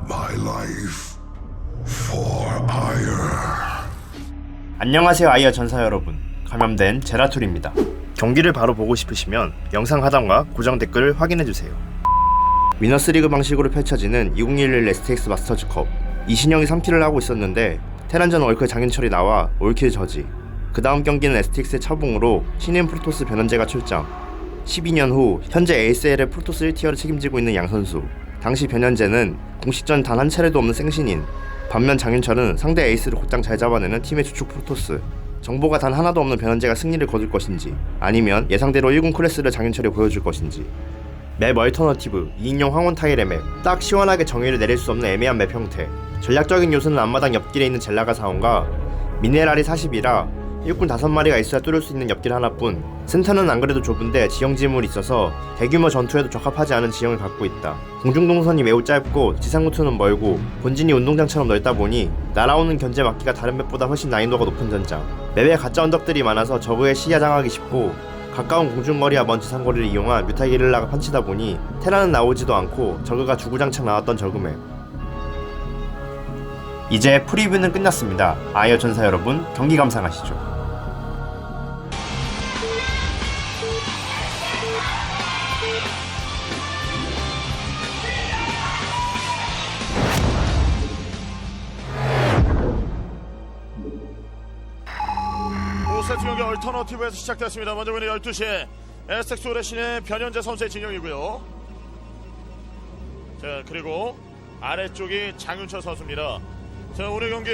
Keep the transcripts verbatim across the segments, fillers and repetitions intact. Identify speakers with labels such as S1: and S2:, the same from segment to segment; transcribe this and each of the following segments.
S1: my life for ire.
S2: 안녕하세요 아이어 전사 여러분, 감염된 제라툴입니다. 경기를 바로 보고 싶으시면 영상 하단과 고정 댓글을 확인해주세요. 위너스리그 방식으로 펼쳐지는 이천십일 에스티엑스 마스터즈컵, 이신영이 삼 킬을 하고 있었는데 테란전 월클 장윤철이 나와 올킬 저지. 그 다음 경기는 에스티엑스의 차봉으로 신인 프로토스 변현재가 출장. 십이 년 후 현재 에이에스엘의 프로토스 일 티어를 책임지고 있는 양 선수. 당시 변현재는 공식전 단 한 차례도 없는 생신인. 반면 장윤철은 상대 에이스를 곧장 잘 잡아내는 팀의 주축 프로토스. 정보가 단 하나도 없는 변현재가 승리를 거둘 것인지, 아니면 예상대로 일 군 클래스를 장윤철이 보여줄 것인지. 맵 얼터너티브, 이인용 황혼 타일의 맵, 딱 시원하게 정의를 내릴 수 없는 애매한 맵 형태. 전략적인 요소는 앞마당 옆길에 있는 젤라가 사원과 미네랄이 사십이라 일꾼 다섯 마리가 있어야 뚫을 수 있는 옆길 하나뿐. 센터는 안 그래도 좁은데 지형 지물이 있어서 대규모 전투에도 적합하지 않은 지형을 갖고 있다. 공중동선이 매우 짧고 지상루트는 멀고 본진이 운동장처럼 넓다 보니 날아오는 견제 막기가 다른 맵보다 훨씬 난이도가 높은 전장. 맵에 가짜 언덕들이 많아서 저그의 시야 장악이 쉽고 가까운 공중거리와 먼 지상거리를 이용한 뮤타 게릴라가 판치다 보니 테라는 나오지도 않고 저그가 주구장창 나왔던 저그맵. 이제 프리뷰는 끝났습니다. 아이어 전사 여러분, 경기 감상하시죠.
S3: 오 세트 경기 얼터너티브에서 시작됐습니다. 먼저 보는 열두 시에 에스텍스 오레신의 변현재 선수의 진영이고요. 자, 그리고 아래쪽이 장윤철 선수입니다. 자, 오늘 경기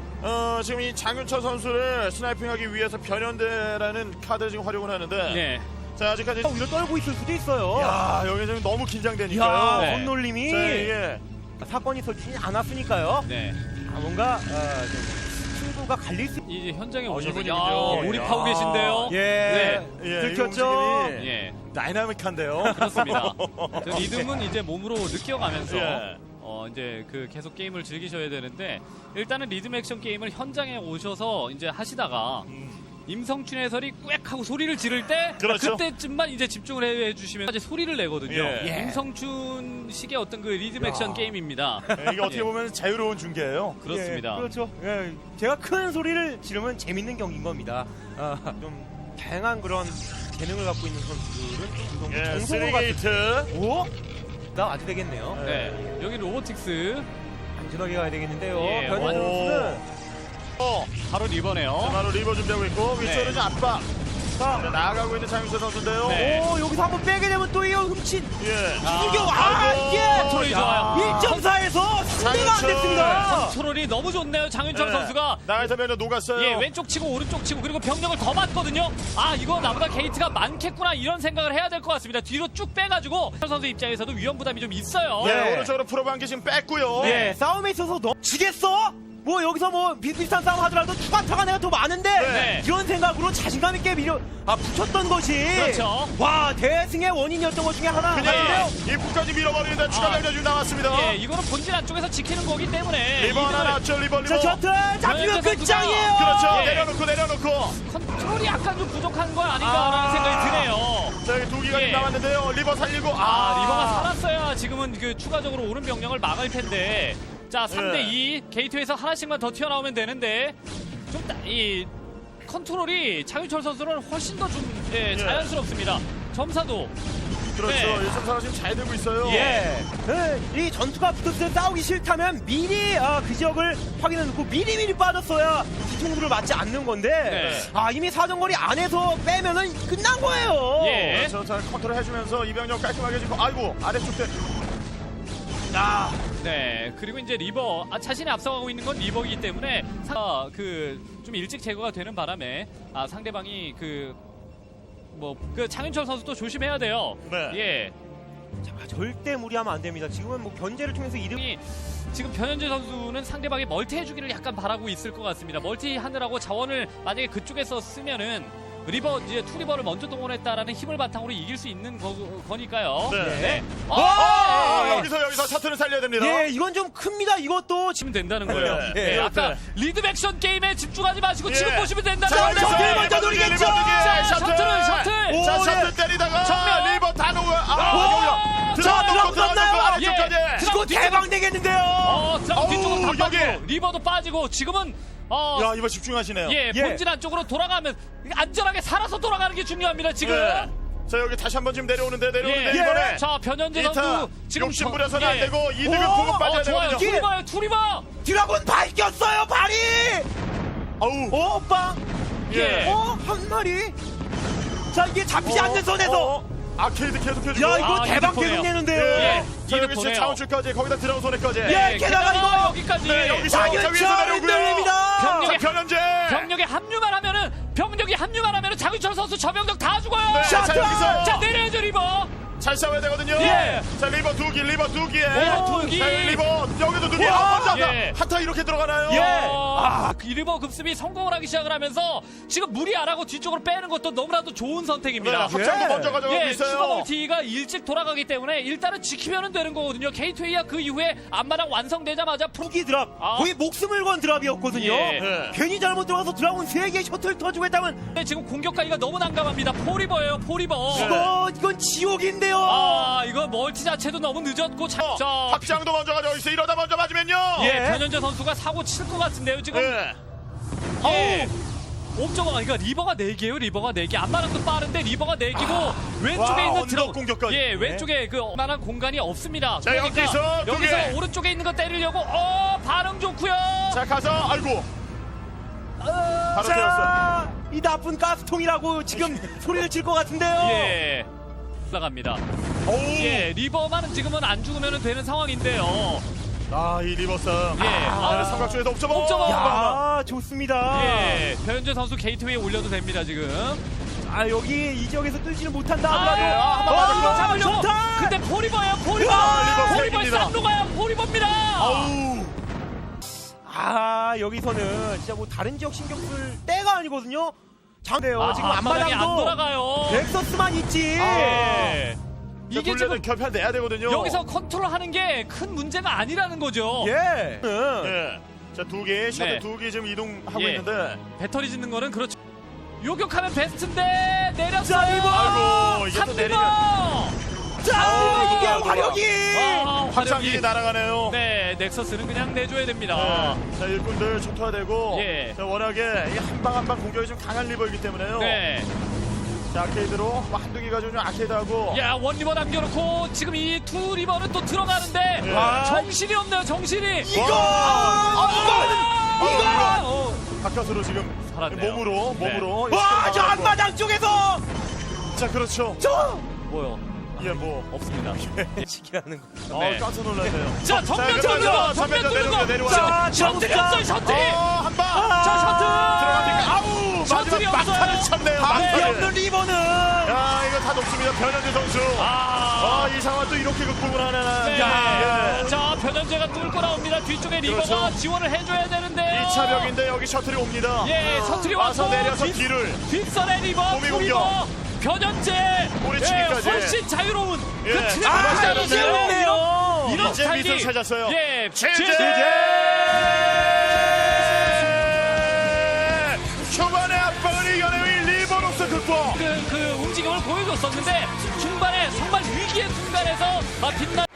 S3: 어, 지금 이 장윤철 선수를 스나이핑하기 위해서 변현대라는 카드를 지금 활용을 하는데,
S4: 네.
S3: 자, 아직까지
S5: 오히려 떨고 있을 수도 있어요.
S3: 야, 여기 지금 너무 긴장되니까요.
S5: 야,
S4: 네.
S5: 손놀림이
S3: 자, 이게
S5: 사건이 터지지 않았으니까요.
S4: 네.
S5: 아, 뭔가 어, 좀 승부가 갈릴 수.
S4: 이제 현장에
S3: 어,
S4: 오셔서
S3: 이분이군요.
S4: 야, 몰입하고
S3: 야.
S4: 계신데요.
S5: 예,
S4: 네.
S3: 예,
S5: 들켰죠.
S3: 이 움직임이
S4: 예.
S3: 다이나믹한데요.
S4: 그렇습니다. 저 리듬은 이제 몸으로 느껴가면서
S3: 예.
S4: 어 이제 그 계속 게임을 즐기셔야 되는데, 일단은 리듬 액션 게임을 현장에 오셔서 이제 하시다가
S3: 음.
S4: 임성춘 해설이 꽥 하고 소리를 지를 때
S3: 그렇죠.
S4: 그때쯤만 이제 집중을 해 주시면 이제 소리를 내거든요.
S3: 예.
S4: 임성춘 식의 어떤 그 리듬 액션 게임입니다.
S3: 네, 이게 어떻게
S4: 예.
S3: 보면 자유로운 중계예요.
S4: 그렇습니다.
S5: 예, 그렇죠. 예, 제가 큰 소리를 지르면 재밌는 경기인 겁니다. 아, 좀 다양한 그런 재능을 갖고 있는 선수들은 그 정도
S3: 예,
S5: 정성을 갖고.
S3: 쓰리게이트.
S5: 오, 나 아주 되겠네요.
S4: 네. 여기 로보틱스
S5: 안전하게 가야 되겠는데요.
S4: 예,
S5: 변현
S3: 오.
S5: 선수는
S3: 어,
S4: 바로 리버네요.
S3: 바로 리버 준비하고 있고 위쪽으로
S4: 네.
S3: 이제 압박. 자, 나가고 있는 장윤철 선수인데요.
S4: 네.
S5: 오, 여기서 한번 빼게 되면 또 이거 훔친
S3: 예.
S5: 충격. 아, 이게
S4: 컨트롤이 좋아요.
S5: 일 점 사에서 승리가 안
S3: 장윤철.
S5: 됐습니다.
S4: 컨트롤이 너무 좋네요. 장윤철
S3: 네.
S4: 선수가.
S3: 나가서 면에 녹았어요.
S4: 예, 왼쪽 치고 오른쪽 치고 그리고 병력을 더 맞거든요. 아, 이거 나보다 게이트가 많겠구나 이런 생각을 해야 될 것 같습니다. 뒤로 쭉 빼가지고 선수 입장에서도 위험 부담이 좀 있어요.
S3: 예,
S5: 네.
S3: 오른쪽으로 프로방기 지금 뺐고요.
S5: 예, 싸움에 있어서 너 지겠어? 뭐 여기서 뭐 비슷비슷한 싸움 하더라도 추가타가 내가 더 많은데
S4: 네.
S5: 이런 생각으로 자신감 있게 밀어 아 붙였던 것이
S4: 그렇죠.
S5: 와 대승의 원인이었던 것 중에 하나
S3: 그냥
S5: 같은데요.
S3: 입구까지 밀어버리는데 추가
S4: 아.
S3: 병력 지금 나왔습니다.
S4: 예, 이거는 본질 안쪽에서 지키는 거기 때문에
S3: 리버 하나
S4: 이득을-
S3: 났죠, 리버, 리버.
S5: 자 셔틀 잡히면
S4: 변현재
S5: 끝장이에요.
S3: 그렇죠.
S4: 예.
S3: 내려놓고, 내려놓고.
S4: 컨트롤이 약간 좀 부족한 건 아닌가라는
S3: 아.
S4: 생각이 드네요.
S3: 자, 여기 두 개가
S4: 예.
S3: 지금 나왔는데요. 리버 살리고.
S4: 아,
S3: 아,
S4: 리버가 살았어야 지금은 그 추가적으로 오른 병력을 막을 텐데. 자, 삼 대 이 게이트에서 하나씩만 더 튀어나오면 되는데 좀 이 컨트롤이 장윤철 선수는 훨씬 더 좀 예,
S3: 예.
S4: 자연스럽습니다. 점사도
S3: 그렇죠.
S4: 네.
S3: 일점 사가 지금 잘 되고 있어요.
S5: 예. 네, 이 전투가 붙었을 때 싸우기 싫다면 미리 아, 그 지역을 확인해 놓고 미리 미리 빠졌어야 뒤통수를 맞지 않는 건데
S4: 네.
S5: 아 이미 사정거리 안에서 빼면은 끝난 거예요.
S4: 예.
S3: 그렇죠. 자, 컨트롤 해주면서 이병력 깔끔하게 지고 아이고, 아래쪽 때.
S4: 아, 네. 그리고 이제 리버 아, 자신이 앞서가고 있는 건 리버이기 때문에 그좀 일찍 제거가 되는 바람에 아, 상대방이 그 뭐 그 장윤철 선수도 조심해야 돼요.
S3: 네.
S4: 예.
S5: 자, 절대 무리하면 안 됩니다. 지금은 뭐 견제를 통해서 이득.
S4: 이 지금 변현재 선수는 상대방이 멀티 해주기를 약간 바라고 있을 것 같습니다. 멀티 하느라고 자원을 만약에 그쪽에서 쓰면은 리버 이제 투 리버를 먼저 동원했다라는 힘을 바탕으로 이길 수 있는 거, 거니까요.
S3: 네.
S4: 어,
S3: 아,
S4: 예, 예.
S3: 여기서, 여기서 셔틀을 살려야 됩니다.
S5: 예, 이건 좀 큽니다. 이것도
S4: 치면 된다는 거예요.
S3: 네.
S4: 예,
S3: 네.
S4: 아까 리듬 액션 게임에 집중하지 마시고
S3: 예.
S4: 지금 보시면 된다는
S3: 자,
S4: 거예요.
S5: 셔틀 먼저 노리겠죠.
S4: 자,
S3: 셔틀.
S4: 셔틀을 셔틀.
S3: 자,
S5: 오,
S3: 셔틀
S5: 예.
S3: 때리다가
S4: 정면.
S3: 리버 다 녹아.
S4: 아,
S3: 아, 여기요. 들어가 놓고 들어가 놓고
S5: 들어갔나요?
S3: 아래쪽까지.
S4: 예.
S5: 이거 대박 내겠는데요.
S4: 어, 드라마
S3: 어우,
S4: 뒤쪽으로 다
S3: 여기.
S4: 빠지고 리버도 빠지고 지금은 어,
S3: 야 이거 집중하시네요.
S4: 예,
S5: 예.
S4: 본진 안쪽으로 돌아가면 안전하게 살아서 돌아가는 게 중요합니다. 지금.
S3: 예. 자 여기 다시 한번 지금 내려오는데 내려오는데
S4: 예.
S3: 이번에
S4: 자, 변현재
S3: 이타
S4: 선수 지금
S3: 욕심
S4: 저-
S3: 부려서는 안
S4: 예.
S3: 되고 이득을
S5: 오,
S3: 보고
S4: 어,
S3: 빠져야
S4: 좋아요.
S3: 되거든요.
S4: 투리버요, 투리버.
S5: 드라군 밝혔어요 발이.
S3: 어우.
S5: 어 오빠.
S3: 예.
S5: 어 한 마리. 자 이게 잡히지 않는 선에서.
S3: 어, 아케이드 계속 켜주고.
S5: 야 이거
S4: 아,
S5: 대박
S4: 이득 보네요.
S5: 계속 내는데요.
S3: 예. 자
S4: 이득
S3: 여기 지금
S4: 보네요.
S3: 차원출까지 거기다 들어온 손에까지.
S5: 예, 게다가 이거-
S4: 여기까지.
S3: 네, 여기서
S5: 장윤철
S3: 자, 위에서 내려오고요.
S5: 흔들립니다.
S4: 병력이-
S3: 자 변현재.
S4: 병력에 합류만 하면은 병력이 합류만 하면은 장윤철 선수 저 병력 다 죽어요.
S3: 네, 자
S5: 샷!
S3: 여기서
S4: 자, 내려야죠, 리버.
S3: 잘 싸워야 되거든요.
S4: 예.
S3: 자 리버 두 기, 리버 두 기에.
S4: 리버 두 기.
S3: 자 리버 여기도 두 기.
S5: 와.
S3: 아, 먼저
S4: 예.
S3: 한타 이렇게 들어가나요?
S5: 예.
S4: 아, 그 리버 급습이 성공을 하기 시작을 하면서 지금 무리 안 하고 뒤쪽으로 빼는 것도 너무나도 좋은
S3: 네,
S4: 선택입니다.
S3: 확장도
S5: 예.
S3: 먼저 가져가고
S4: 예,
S3: 있어요.
S4: 슈퍼 멀티가 일찍 돌아가기 때문에 일단은 지키면 되는 거거든요. 케이투에이야 그 이후에 앞마당 완성되자마자 푸
S5: 후기 드랍
S4: 아.
S5: 거의 목숨을 건 드랍이었거든요.
S4: 예.
S3: 예.
S5: 괜히 잘못 들어가서 드라군 세 개 셔틀 터지고 했다면
S4: 근데 지금 공격하기가 너무 난감합니다. 포리버예요, 포리버.
S3: 네.
S5: 이거 이건 지옥인데요.
S4: 아, 이거 멀티 자체도 너무 늦었고 자,
S3: 어,
S4: 자
S3: 확장도 먼저 가져가 있어. 이러다 먼저 맞으면요.
S4: 예,
S5: 예.
S4: 변현재 선수가 사고 칠 것 같은데요, 지금.
S3: 예.
S4: 예. 옵저가 그러니까 리버가 네 개예요. 리버가 네 개. 앞마당도 빠른데 리버가 네 개고 왼쪽에
S3: 와,
S4: 있는
S3: 언덕
S4: 드럼
S3: 공격까지.
S4: 예, 왼쪽에 그 만한 공간이 없습니다.
S3: 자,
S4: 그러니까
S3: 여기서 두
S4: 여기서
S3: 개.
S4: 오른쪽에 있는 거 때리려고 어, 반응 좋고요.
S3: 자 가서 아이고 바로 태웠어.
S5: 자, 이 나쁜 가스통이라고 지금 소리를 칠 것 같은데요.
S4: 예. 올라갑니다.
S3: 오우.
S4: 예, 리버만은 지금은 안 죽으면 되는 상황인데요.
S3: 아이 리버스.
S4: 예.
S3: 아,
S4: 아,
S3: 삼각존에서 옵저버.
S4: 옵저버.
S5: 야, 좋습니다.
S4: 예, 변현재 선수 게이트웨이에 올려도 됩니다, 지금.
S5: 아, 여기 이 지역에서 뚫지는 못한다.
S4: 아,
S5: 하더라도.
S3: 아, 한번 맞았어.
S5: 아,
S4: 잡으려고.
S5: 좋다.
S4: 근데 포리버예요, 포리버.
S3: 아, 리버
S4: 포리버에
S3: 세입니다.
S4: 쌍로가요, 포리버입니다.
S3: 아우.
S5: 아, 여기서는 진짜 뭐 다른 지역 신경 쓸 때가 아니거든요. 장대요.
S4: 아,
S5: 지금
S4: 앞마당이 안
S5: 앞마당도
S4: 돌아가요.
S5: 넥서스만 있지.
S4: 예.
S3: 이게
S4: 이게
S3: 지금
S4: 지금
S3: 결판 내야 되거든요.
S4: 여기서 컨트롤하는 게 큰 문제가 아니라는 거죠.
S5: 예.
S3: 예. 자두 개, 셔틀
S4: 네.
S3: 두 개 지금 이동하고
S4: 예.
S3: 있는데.
S4: 배터리 짓는 거는 그렇죠. 요격하면 베스트인데 내렸어요.
S5: 자, 리버!
S3: 아이고 이게 또
S4: 삼
S3: 내리면.
S5: 자,
S3: 아,
S5: 이게
S3: 누가.
S5: 화력이.
S4: 아,
S3: 확장기
S4: 화력이.
S3: 날아가네요.
S4: 네, 넥서스는 그냥 내줘야 됩니다.
S3: 네. 자 일꾼들 초토화되고.
S4: 예.
S3: 자 워낙에 한 방 한 방 공격이 좀 강한 리버이기 때문에요.
S4: 네.
S3: 자 아케이드로 뭐 한두 개 가지고 좀 아케이드하고.
S4: 야, 원 리버 남겨놓고 지금 이 두 리버는 또 들어가는데
S3: 예.
S5: 아,
S4: 정신이 없네요, 정신이.
S5: 이거!
S3: 와.
S5: 이거는! 이거!
S4: 어.
S3: 바깥으로 지금
S4: 살았네요.
S3: 몸으로
S4: 네.
S3: 몸으로.
S5: 와, 저 앞마당 쪽에서!
S3: 자 그렇죠.
S5: 저!
S4: 뭐요?
S3: 예 뭐.
S4: 없습니다.
S5: 지키라는 거.
S3: 어
S4: 네.
S3: 깜짝 놀랐네요.
S4: 자, 정면
S3: 자,
S4: 뚫는
S3: 그러면서
S4: 거, 정면
S3: 정면전
S4: 뚫는 거.
S3: 내려와요,
S4: 자,
S5: 내려와요.
S4: 셔틀이
S5: 자,
S4: 없어요, 셔틀이.
S3: 어, 한 방.
S4: 자, 셔틀.
S3: 들어가니까 아우
S4: 셔틀이
S3: 마지막
S4: 없어요.
S3: 막타를 쳤네요.
S5: 앞이
S3: 막타를.
S5: 없는 리버는!
S3: 야 이거 다 높습니다. 변현재 선수.
S4: 아.
S3: 아이 상황 또 이렇게 극복을 하나.
S4: 네.
S3: 야.
S4: 자, 변현재가 뚫고 나옵니다. 뒤쪽에 리버가
S3: 그렇죠.
S4: 지원을 해줘야 되는데요.
S3: 이 차 벽인데 여기 셔틀이 옵니다.
S4: 예, 셔틀이
S3: 와서
S4: 와서
S3: 내려서
S4: 뒷-
S3: 뒤를.
S4: 뒷선에 리버,
S3: 몸이
S4: 리버, 변현재.
S3: 꼬리치기까지.
S4: 예, 훨씬 자유로운
S3: 예.
S4: 그 트랙
S3: 아,
S4: 맞지 않았나요?
S5: 재밌네요.
S4: 이런
S3: 이제
S4: 스타일이-
S3: 밑을 찾았어요.
S4: 예,
S3: 제재. 초반에 압박을 이겨내는 리버로서 극복.
S4: 그, 그 움직임을 보여줬었는데 중반에 정말 위기의 순간에서 아, 빛나.